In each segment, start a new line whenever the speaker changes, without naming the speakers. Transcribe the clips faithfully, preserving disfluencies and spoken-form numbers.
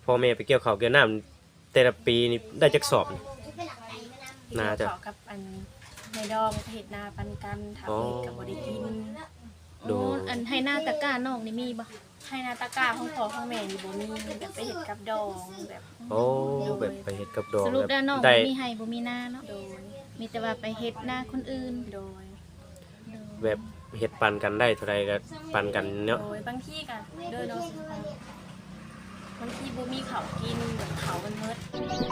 พ่อแม่ไปเกี่ยวข้าวเกี่ยวน้ำแต่ละปีนี่ได้จักสอบน่าจะ
ขอกับอันในดองเห็ดนาปันกันทำเห็ดกับบริกิน
ดูอันให้หน้าตะกร้านอกนี่มีบ่
ให้นาตะกาของพ่อของแม่นี่บ่มีแบบไปเห็ดกับดองแบบ
โอ้แบบไปเห็ดกับดอง
สรุปแล้วน้องบ่มีให้บ่มีหน้าเนาะ
โดย
มีแต่ว่าไปเฮ็ดหน้าคนอื่น
โดย
แบบเห็ดปันกันได้เท่าไรก็ปันกันเนาะ
โดยบางที่กันโดยน้องบางที่บ่มีเขากินแบบเขามันเมิด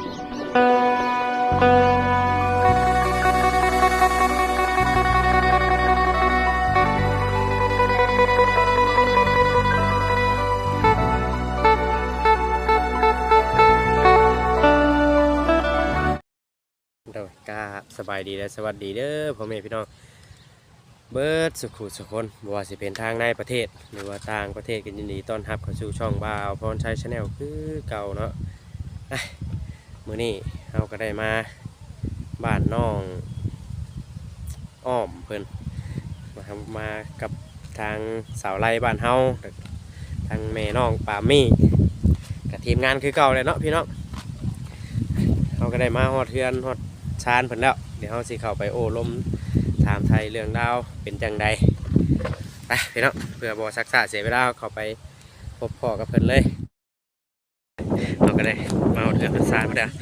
โดยกาสบายดีและสวัสดีเด้อพ่อแม่พี่น้องเบิร์ดสุขุสุขคนบ่ว่าสิเป็นทางในประเทศหรือว่าต่างประเทศกันยินดีต้อนรับเข้าสู่ช่องบ่าวพรชัยชาแนลคือเก่าเนาะมื้อนี้เราก็ได้มาบ้านน้องอ้อมเพิ่นมาทำมากับทางสาวไร่บ้านเฮาทางแม่น้องปามี่กับทีมงานคือเก่าเลยเนาะพี่น้องเราก็ได้มาฮอดเทือนฮอดชานเพิ่นแล้วเดี๋ยวเราสิเข้าไปโอ้ลมถามไทยเรื่องดาวเป็นจังใดไปพี่น้องเพื่อบ่ซักษาเสียเวลาเข้าไปพบพ่อกับเพิ่นเลยเราก็ได้มาฮอดเทือนเพิ่นชานเพิ่นแล้ว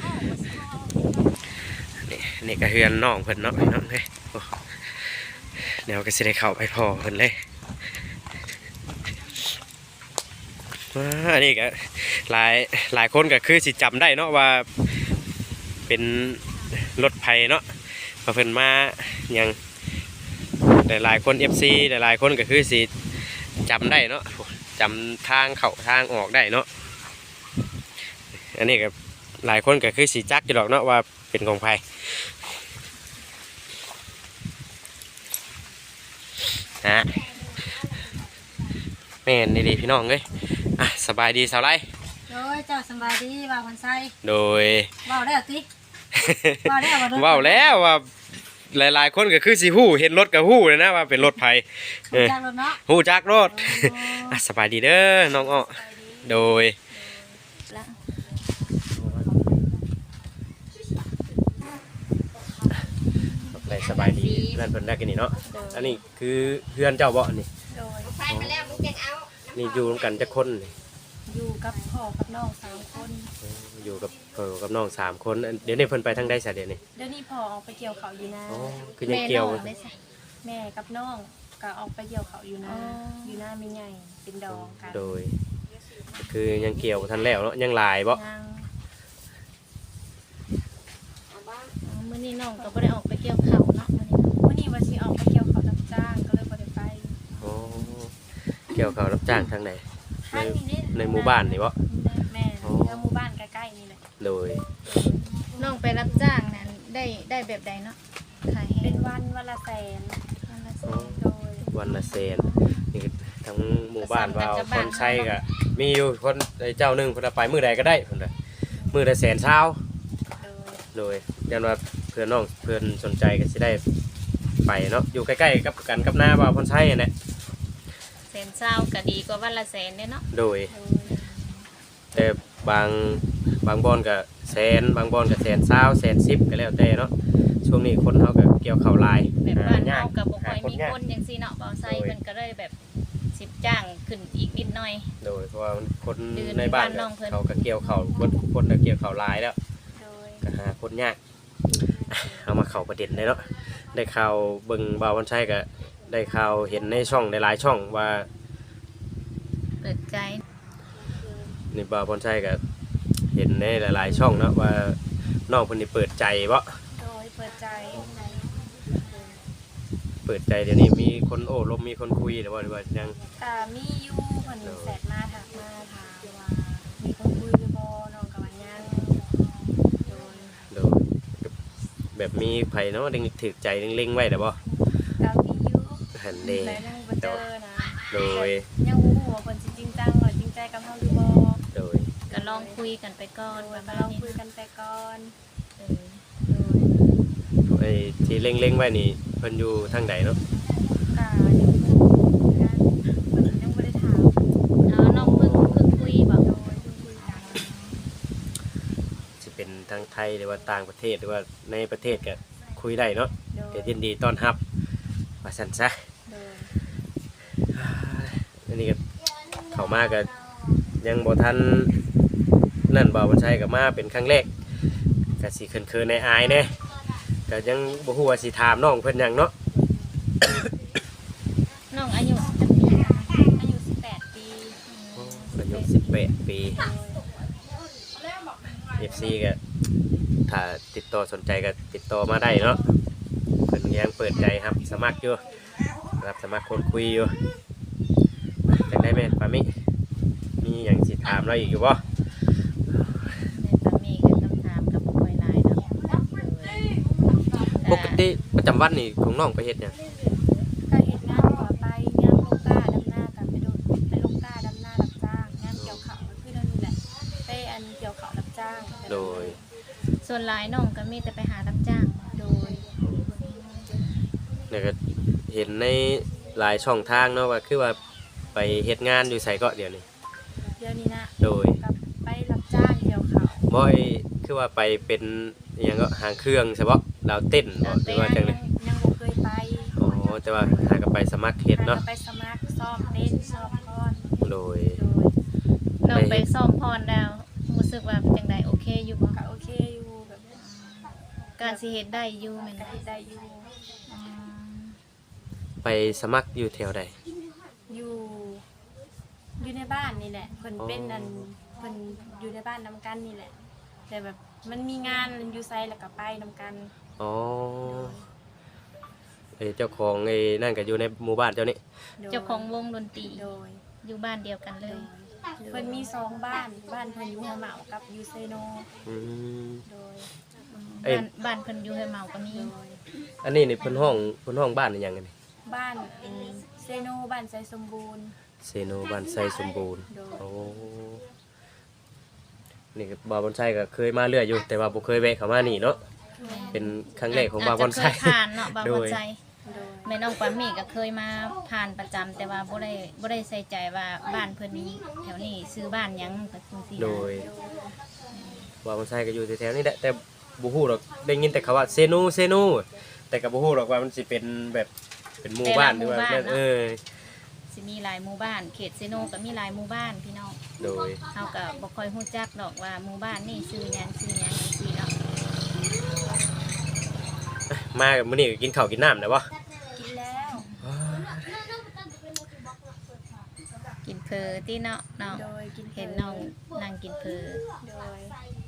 นี่นี่ก็เฮือนน้องเพิ่นเนาะพี่น้องเฮ้ยเดี๋ยวก็สิได้เข้าไปพ่อเพิ่นเลยอันนี้ก็หลายหลายคนก็คือสิจำได้เนาะว่าเป็นรถไฟเนาะมาเพิ่นมาอย่างหลายๆคน เอฟ ซี หลายๆคนก็คือสิจำได้เนาะจำทางเข้าทางออกได้เนาะอันนี้ก็หลายคนก็คือสิจักอยู่หรอกเนาะว่าเป็นของไผนะแม่นดีๆพี่น้องเอ้ยอ่ะสบายดีสาวไร
โดยเจ้าสบายดีว่าคนไส้
โดย
ว่าได้ติว่าได้ว่า
ว้าวแล้วว่าหลายๆคนก็คือสิฮู้เห็นรถก็ฮู้เลยนะว่าเป็นรถไผ
เออจักรถเนาะ
ฮู้จักรถอ่ะสบายดีเด้อน้องอ้อโดยอะไรสบายดีเพื่อนเพิ่นได้กันนี่เนาะอันนี้คือเพื่อนเจ้าบ่นี่
โดย
ไปมาแล้วลูกยังเอา
นี่อยู่ร่วมกันจักคนนี่
อยู่กับพ่อกับน้องสามคน
อยู่กับพ่อกับน้องสามคนเดี๋ยวนี้เพิ่นไปทางใดซะเดี๋ยวนี้
เดี๋ยวนี้พ่อออกไปเกี่ยวเขาอยู่นะ
อ๋อคือยังเกี่ยว
แม่กับน้องก็ออกไปเกี่ยวเขาอยู่นะอยู่หน้าไม่ใหญ่เป็นดองกัน
โดยคือยังเกี่ยวทันแล้วเนาะยังหลายบ่
มื้อนี้น้องก็บ่ได้ออกไปเกี่ยวข้าวเนาะ
มื้อนี้มื้อนี้ว่าสิออกไปเกี่ยวเขารับจ้างก็เลยบ่ได้ไป
อ๋อเกี่ยวเขารับจ้างทางไหนในในหมู่บ้านนี่บ่
แม่ในหมู่บ้านใกล้ๆนี่เลย
โดย
น้องไปรับจ้างนั้นได้ได้แบบใดเนาะขาย
เป็นวันวันละแสน
วันละแสน
โดย
วันละแสนนี่ทั้งหมู่บ้านว่าคนใช้ก็มีอยู่คนเจ้านึงเพิ่นไปมื้อใดก็ได้เพิ่นน่ะมื้อละแสนเช้าโดยยันว่าเพื่อนน้องเพื่อนสนใจก็สิได้ไปเนาะอยู่ใกล้ๆกับกันกับหน้าว่าคนใช้เนี่ย
แสนเช้าก็ดีกว่าวันละแสนเนาะ
โดยแต่บางบางบอนก็แสนบางบอนก็แสนเช้าแสนสิบก็แล้วแต่เนาะช่วงนี้คนเขาก็เกี่ยวข้าวลาย
แบบบ้านเขากับบ่ค่อยมีคนอย่างซี่เนาะบ่าวไซเพิ่นก็เลยแบบสิบจ้างขึ้นอีกนิดหน่อย
โดยเพราะว่าคนในบ้านเขาก็เกี่ยวข้าวคนคนก็เกี่ยวข้าวลายแล้วก็หาคนยากเอามาเข้าประเด็นเลยเนาะได้ข่าวเบิ่งบ่าววันชัยก็ได้ข่าวเห็นในช่องในหลายช่องว่า
เปิดใจ
นี่บ่าววันชัยก็เห็นในหลายๆช่องเนาะว่าน้องคนนี้เปิดใจบ่
โดยเปิดใจ
เปิดใจเดี๋ยวนี้มีคนโอ้ลมมีคนคุยหรือว่าหรือว่ายัง
แต่มีอยู่คนแสดมาถักมาถามว่ามีคนคุยหรือบ่น้องกับว่ายังโดย
โดยแบบมีไผเนาะเล็งถือใจเล็งๆไว้แต่บ่
ก็มีอยู่
หันเด้
แต่ยังบ่เจอนะ
โดย
ยังบ่ฮู้ว่าเพิ่นสิจริงจังหรือจริงใจกับเฮาหรือบ่
โดย
ก็ลองคุยกันไปก่อนว่า
ลองคุยกันไปก่อนเออ
โดยไอ้ที่เล็งๆไว้นี่เพิ่นอยู่ทางใดเนาะ
ก็อยู่เพิ่นยังบ่ได้ถาม
อ๋อน้องเพิ่งเพิ่งคุยบ่
โดยเพิ่งคุยกัน
เป็นทั้งไทยหรือว่าต่างประเทศหรือว่าในประเทศก็คุยได้เนาะ
โดย
ก็ยินดีต้อนรับว่าซั่นซะ
โดย
อันนี้ก็เข้ามาก็ยังบ่ทันนั่นบ่าวบนชัยก็มาเป็นครั้งแรกก็สิเขินๆในอายๆแน่ก็ยังบ่ฮู้ว่าสิถามน้องเพิ่นหยังเนาะ
น้องอายุจักปี
อายุสิบแปดปี
อายุสิบแปดปี
โดย
เอฟ ซี ก็ถ้าติดต่อสนใจก็ติดต่อมาได้เนาะเพิ่นยังเปิดใจครับสมัครอยู่รับสมัครคนคุยอยู่จังได้แม่นปามิมีหยังสิถามเราอีกอยู่บ่
ในตามีก็ต้องถามกับบ่ค่อยหลายเนาะ
ปกติประจำวันนี่ของน้องไปเฮ็ดหยัง
ก็เฮ็ดงานต่อไปงานลงกล้าดำหน้ากับไปโดนไปลงกล้าดำหน้ารับจ้างงานเกี่ยวข้าวก็คือเท่านี้แหละไปอันเกี่ยวข้าวรับจ้าง
โดย
ส่วนหลายน้องก็มีแต่ไปหารับจ้าง
โดย
เนี่ยก็เห็นในหลายช่องทางเนาะว่าคือว่าไปเฮ็ดงานอยู่ไสก็เดี๋ยวนี้
เดี๋ยวนี้นะ
โดย
กับไปรับจ้างเกี่ยวข้าว
บ่ไอ้คือว่าไปเป็นอหยังก็หางเครื่องใช่บ่ดาวเต้นบ่หรือว่าจังได๋
ยังบ่เคยไป
อ๋อแต่ว่าหาก็ไปสมัครเฮ็ดเนาะ
ไปสมัครซ้อมเต้นซ้อมคอน
โดย
โดย
น้องไปซ่อมพรแล้วรู้สึกว่าจังไดโอเคอยู่บ่
ก็โอเคอยู่แบบ
การสิเฮ็ดได้อยู่แม่น
ก็
บ่
เฮ็ดได้อยู่
อืม
ไปสมัครอยู่แถวใด
อยู่อยู่ในบ้านนี่แหละเพิ่น
อ๋อ
เป็นอันเพิ่นอยู่ในบ้านนํกันนี่แหละ แต่แบบมันมีงานอยู่ไสแล้วก็ไปนํกัน
อ๋อไอ้เจ้าของไอ้นั่นก็อยู่ในหมู่บ้านเจ้านี่
โดย
เจ้าของวงดนตรี
โดย
อยู่บ้านเดียวกันเล
โด
ย
ยเพิ่นมีสองบ้านบ้านเพิ่นอยู่หัวเหมากับอยู่เซโน
อืม
โดย
เอ้ย
บ้านบ้านเพิ่นอยู่ให้เมาก็มี
โดย
อันนี้นี่เพิ่นห้องเพิ่นห้องบ้านอีหยังอันนี้
บ้านอืมเซโนบ้านใจสมบูรณ์
เซโนบ้านไซสมบูรณ์
โดย
โอ้นี่ก็บ่าวบอนไซก็เคยมาเรื่อยอยู่แต่ว่าบ่เคยแวะเข้ามานี่เนาะเป็นครั้งแรกของบ่าวบอนไซ
าจจะเคยผ่านเนาะบ่าว
โด
บอย นไซ
โดย
แม่น้องปามี่ก็เคยมาผ่านประจำแต่ว่าบ่ได้บ่ได้ใส่ใจว่าบ้านเพิ่นนี้แถวนี้ซื้อบ้านหยังก็จังซี่นะ
โดยบ่าวบอนไซก็อยู่แถวๆนี้แหละแต่บ่ฮู้หรอกได้ยินแต่คำว่าเซโนเซโนแต่ก็บ่ฮู้หรอกว่ามันสิเป็นแบบเป็นหมู่บ้านหรือว่าเออ
สิมีหลายหมู่บ้านเขตเซโนก็มีหลายหมู่บ้านพี่น้อง
โดย
เฮาก็บ่ค่อยฮู้จักดอกว่าหมู่บ้านนี่ชื่อหยังชื่อหยังจังซี่เนาะ
มามื้อนี้ก็กินข้าวกินน้ำได้บ่
กินแล้ว
กินเพอที่เนาะน้อง
โดยกิน
เห็นน้องนั่งกินเพอ
โดย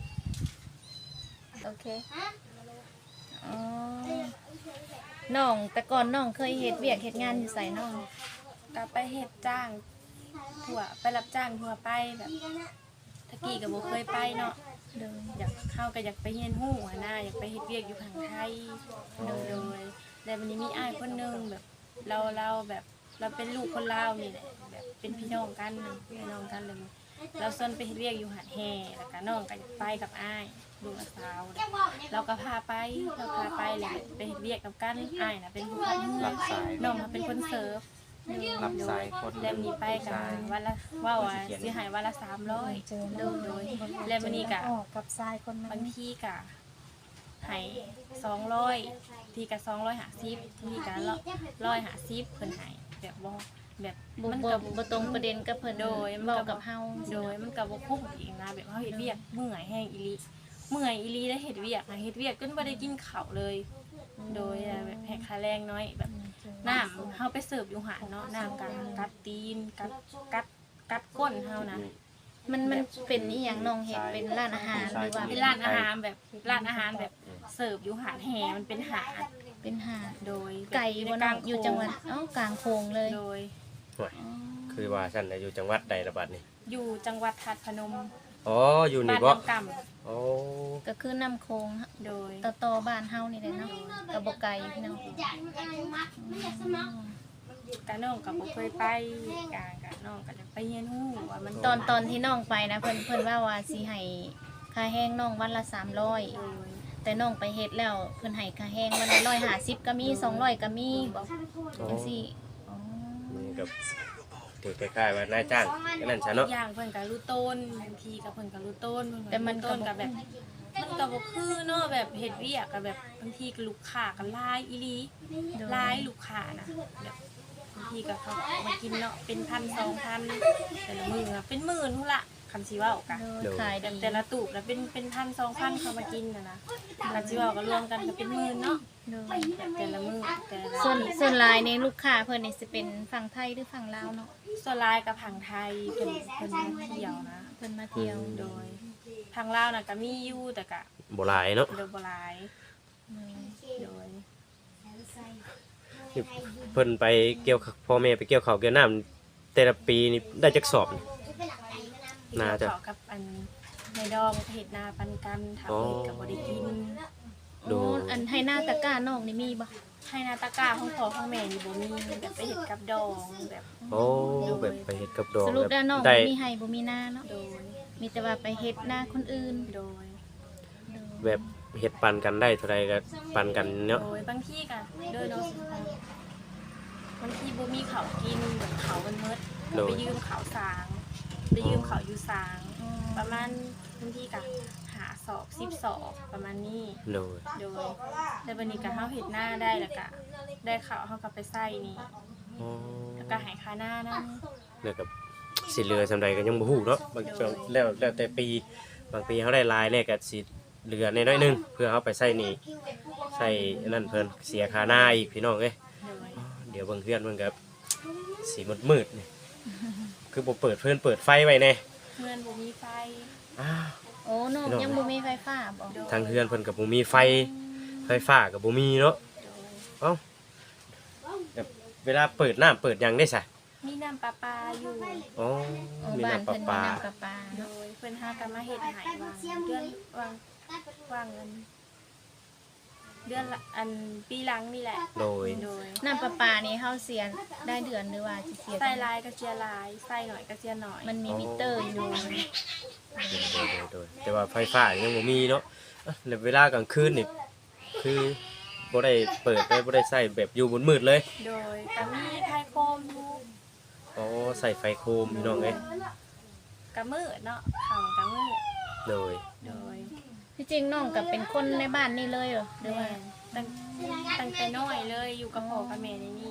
โอเคอ๋อน้องแต่ก่อนน้องเคยเฮ็ดเวียกเฮ็ดงานอยู่ไสน้อง
ก็ไปเฮ็ดจ้างทั่วไปรับจ้างทั่วไปแบบตะกี้ก็บ่เคยไปเนาะ
โดย
อยากเข้าก็อยากไปเรียนฮู้หัวหน้าอยากไปเฮ็ดเวียกอยู่ทางไทยโดยโดยแต่วันนี้มีอ้ายคนหนึงแบบเราเราแบบเราเป็นลูกคนลาวนี่แหละแบบเป็นพี่น้องกันพี่น้องกันเลยเราส่วนไปเฮ็ดเวียกอยู่หาดแห่แล้วก็น้องก็อยากไปกับอ้ายลูกสาวเราก็พาไปเราพาไปเลยไปเฮ็ดเวียกกับกันอ้ายน่ะเป็นผู้ขับเรือน้องน่ะเป็นคนเสิร์ฟ
รับสายคน
แล้วมีไปกันวันละว่าว่าสิหายวันละสามร้อยโดยโดยแล้ววันนี้กะ
ออกกับทรายคนนั้
บาน งทีกะใหายสองร้อยทีกะสองร้อยหาซิบทีกะร้อยหาซิบเพิ่นใหายแบบบ่แบบ
บ่
มัน
บ่
กับ
บ่ตรงประเด็นกับเพิ่น
โดยมัน
เว้า
ก็
กับเฮา
โดยมันกับบ่คุ้มอีกนะแบบเฮาเฮ็ดเวียกเมื่อยแห้งอีหลีเมื่อยอีหลีได้เฮ็ดเวียกนะเฮ็ดเวียกจนบ่ได้กินข้าวเลย โดยแบบแหกค่าแรงน้อยแบบน้ำเฮาไปเสิร์ฟอยู่หาดเนาะน้ำกัดกัดตีนกัดกัดกัดก้นเฮานะ
มันมันเป็นอีหยังน้องเฮ็ดเป็นร้านอาหารหรือว่า
เป็นร้านอาหารแบบร้านอาหารแบบเสิร์ฟอยู่หาดแห่มันเป็นหาด
เป็นหาด
โดย
ไก่บ่น้องอยู่จังหวัดเอ้ากลางโคงเลย
โดย
โอ้ยคือว่าฉันน่ะอยู่จังหวัดใดละบัดนี้
อยู่จังหวัดทัดพนม
อ๋ออยู่
บ้า
นี่
น
บ่
น้ำก่
โอ้
ก็คือน้ำโคง
ำโดย
ต่อต่อบ้านเฮานี่แหละเนาะก็บ่ไกลพี่น้อง
กะน้องกับบ่เคยไปกะกะน้องก็จะไปเรียนรู้ว่ามัน
ตอนตอนที่น้องไปนะเพิ่นเพิ่นว่าว่าสิให้ค่าแห้งน้องวันละสามร้อย
โดย
แต่น้องไปเฮ็ดแล้วเพิ่นให้ค่าแห้งวันละหนึ่งร้อยห้าสิบก็มีสองร้อยก็มีบอก
อ๋อ
จังซี่อ๋อ
นี่กับถถือคล้ายๆว่านายจ้างก็นั่นซะเนาะ
อย่างเพิ่นก็รู้ต้นบางทีก็เพิ่นก็รู้ต้น
แต่มันก็
ต้นก็แบบมันก็บ่คือเนาะแบบเฮ็ดเวียกก็แบบบางทีก็ลูกค้าก็หลายอีหลีหลายลูกค้านะแบบบางทีก็เขามากินเนาะเป็นพันสองพันแต่ละมื้ออะเป็นหมื่นพุ่นละคันสิเว้ากัน
โดยขาย
แต่
ดี
แต่ละตูบนะเป็นเป็นพันสองพันเขามากินนะนะคันสิเว้าก็รวมกันก็เป็นหมื่นเนาะ
โดย
แบบแต่ละมื้อแต่ละ
ส่วนส่วนหลายในลูกค้าเพิ่นนี่สิเป็นฝั่งไทยหรือฝั่งลาวเนาะ
ส่วนหลายกับผังไทยเพิ่นเพิ่นมาเที่ยวนะ
เพิ่นมาเที่ยว
โดยทางลาวน่ะก็มีอยู่แต่ก็
บ่หลายเนาะ
โดยบ่หลาย
โดย
โดย
เพิ่นไปเกี่ยวข้าวพ่อแม่ไปเกี่ยวข้าวเกี่ยวน้ำแต่ละปีนี่ได้จักสอบนี่ น่าจะ
เกี่ยวกับอันในดองเฮ็ดนาปันกันถ้า
อ๋อ
เฮ็ดก็บ่ได้กิน
ดู
โอ้อันให้หน้าตะกร้าน้องนี่มีบ่
ให้นาตะกร้าของพ่อของแม่นี่บ่มีแบบไปเฮ็ดกับดองแบบ
โอ้แบบไปเฮ็ดกับดอก
สรุปแล้วน้อง
ได้
บ่มีให้บ่มีหน้าเนาะ
โดย
มีแต่ว่าไปเฮ็ดหน้าคนอื่น
โดย
โดย
แบบเฮ็ดปันกันได้เท่าใดก็ปันกันเนาะ
โดยบางที่ก็โดยเนาะบางทีบ่มีข้าวกินแบบเขาวมันหมด
โดย
ไปยืมข้าวสางไปยืมข้าวอยู่สาง
อ๋อ
ประมาณบางทีก็หาสอบสิบสอบประมาณนี้
โดย
โดยแต่วันนี้ก็เฮาเฮ็ดหน้าได้แล้วก็ได้ข้าวเฮาก็ไปใส่นี่
อ๋อ
แล้วก็ใหายค่าหน้านั่น
แล้วก็สิเหลือสำใดก็ยังบ่ฮู้เนาะบางช่วงแล้วแล้วแต่ปีบางปีเฮาได้หลายแล้วก็สิเหลือน้อยๆหนึงเพื่อเอาไปใช้หนี้ใช้อันนั้นเพิ่นเสียค่าหน้าอีกพี่น้องเอ้ย
โดย
เดี๋ยวเบิ่งเพื่อนเพิ่นก็สีมืดๆนี่คือบ่เปิดเพิ่นเปิดไฟไว้แน่
เพื่อนบ่มีไฟ
อ้าว
โอ้น้องยังบ่มีไฟฟ้าบ่
โดย
ทางเพื่อนเพิ่นก็บ่มีไฟไฟฟ้าก็บ่มีเนาะ
โดย
เอ้าแบบเวลาเปิดน้ำเปิดหยังได้ซะ
มีน้ำประปาอยู่
อ๋อ
โอ้
มี
บ้าน
น้ำประ
เพิ่นมี
ปา
น้ำประปา
โด
เนาะ
ยเพิ่นหากันมาเฮ็ดให้วางเดือนวางวางเงินเดือนละอันปีหลังนี่แหละ
โดย
โดย
น้ำประปานี่เฮาเสียได้เดือนหรือว่าสิเสีย
ใส่ลายก็เสียลายใส่หน่อยก็เสียหน่อย
มันมีมิเตอร์อยู่
โดยโดยโดยแต่ว่าไฟฟ้ายังบ่มีเนาะอ่ะแล้วเวลากลางคืนนี่คือบ่ได้เปิดได้บ่ได้ใช้แบบอยู่บนมืดเลย
โดยก็มีไทยโคมอยู่
อ๋อใส่ไฟโคมพี่น้องเอ้ย
กะมืดเนาะเขากะมืด
โดย
โดย
ที่จริงน้องก็เป็นคนในบ้านนี่เลยเหรอหรือ
แม่
ว่า
ตั้งตั้งแต่น้อยเลยอยู่กับพ่อกับแม่ในนี่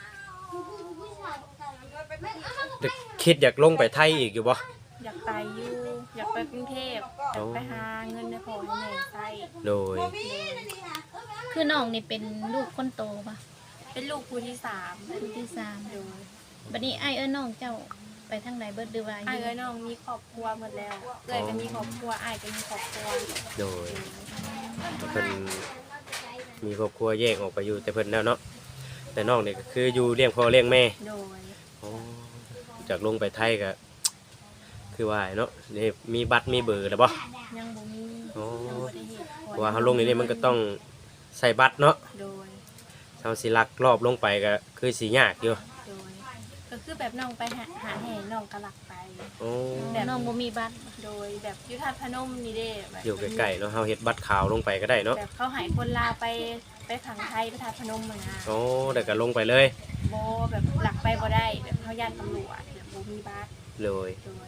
เด็กคิดอยากลงไปไทยอีกอยู่บ่
อยากไปอยู่อยากไปกรุงเทพอยากไปหาเงินในพ่อให้แม่ใช้
โดย
คือน้องนี่เป็นลูกคนโตปะ
เป็นลูกผู้ที่สาม
ลูกที่สาม
โดย
บัดนี้ไอ้ายเอ้ยน้องเจ้าไปทางใดเบิดหรือว่าอ
อ้าย
ยู่
เอ้ยน้องมีครอบครัวหมดแล้วเอ้ยก็มีครอบครัวอ้ายก็มีครอบครัว
โดยเพิ่นมีครอบครัวแยกออกไปอยู่แต่เพิ่นแล้วเนาะแต่น้องนี่ก็คืออยู่เลี้ยงพ่อเลี้ยงแม่
โดย
อ๋อจากลงไปไทยก็คือว่าเนาะนี่มีบัตรมีเบอร์แล้วบ่
ยังบ่มี
อ๋อ
ยังบ่ได้เฮ็ด
เพราะว่าเฮาลงนี่นี่มันก็ต้องใส่บัตรเนาะ
โดย
เฮาสิลักรอบลงไปก็คือสิยากอยู่
โดยก็คือแบบน้องไปหาหาแห่น้องก็หลักไป
โอ้
แบบ
น้องบ่มีบัตร
โดยแบบอยุทธาตุพนมนี่เด้แบบ
อยู่ใกล้ๆเนาะเฮาเฮ็ดบัตรขาวลงไปก็ได้เนาะ
แบบเขาใหายคนลาวไปไปขังไทยไปทาตุพนมมานะ
โอ้เดี๋ยวก็ลงไปเลย
โบแบบหลักไปบ่ได้แบบเขาย่านตำรวจแบบโบมีบัส
เลย
โดย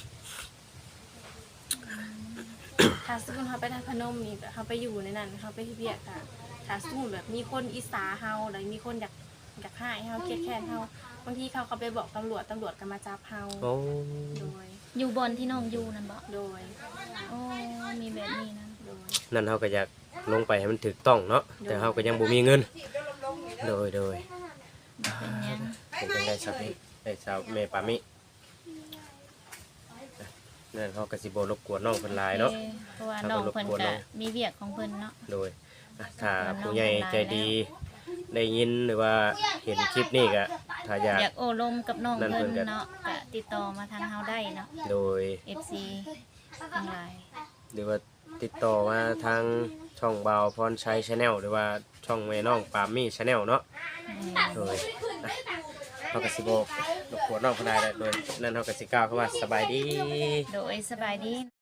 ถ้าสมมติเขาไปทาตุพนมนี่แบบเขาไปอยู่ในนั้นเขาไปเบียกอะถ้าสมมติแบบมีคนอิสาเฮาหรือมีคนอยากอยากให้เฮาเครียดแค้นเฮาบางทีเขาเขาไปบอกตำรวจตำรวจก็มาจับเฮา
โอ้
โดย
อยู่บอนที่น้องอยู่นั่นบ่
โดย
โอ้มีแบบนี้นะ
โดย
นั่นเฮาก็อยากลงไปให้มันถูกต้องเนาะแต่เฮาก็ยังบ่มีเงินโดยโดย
เป็นหยัง
เป็นจังได๋ครับนี่ได้สาวแม่ปามินั่นเฮาก็สิบ่รบกวนน้องเพิ่นหลายเนาะ
เอ้ยเพราะว่าน้องเพิ่นก็มีเวียกของเพิ่นเนาะ
โดยอ่ะถ้าผู้ใหญ่ใจดีได้ยินหรือว่าเห็นคลิปนี้ก็ถ้าอยาก
อยากโอ้ลมกับน้อง
นั่นเพิ่
เพิ่
น
น
ก็
เนาะก็ติดต่อมาทางเฮาได้เนาะ
โดย
เอฟ ซี ทั้งหลาย
หรือว่าติดต่อมาทางช่องบ่าวพรชัย Channel หรือว่าช่องแม่น้องปามี่ Channel เนาะ โดยอ่ะเฮาก็สิบอกรบกวนน้องเพิ่นได้แล้วโดยนั่นเฮาก็สิกล่าวคำว่าสบายดี
โดยสบายดี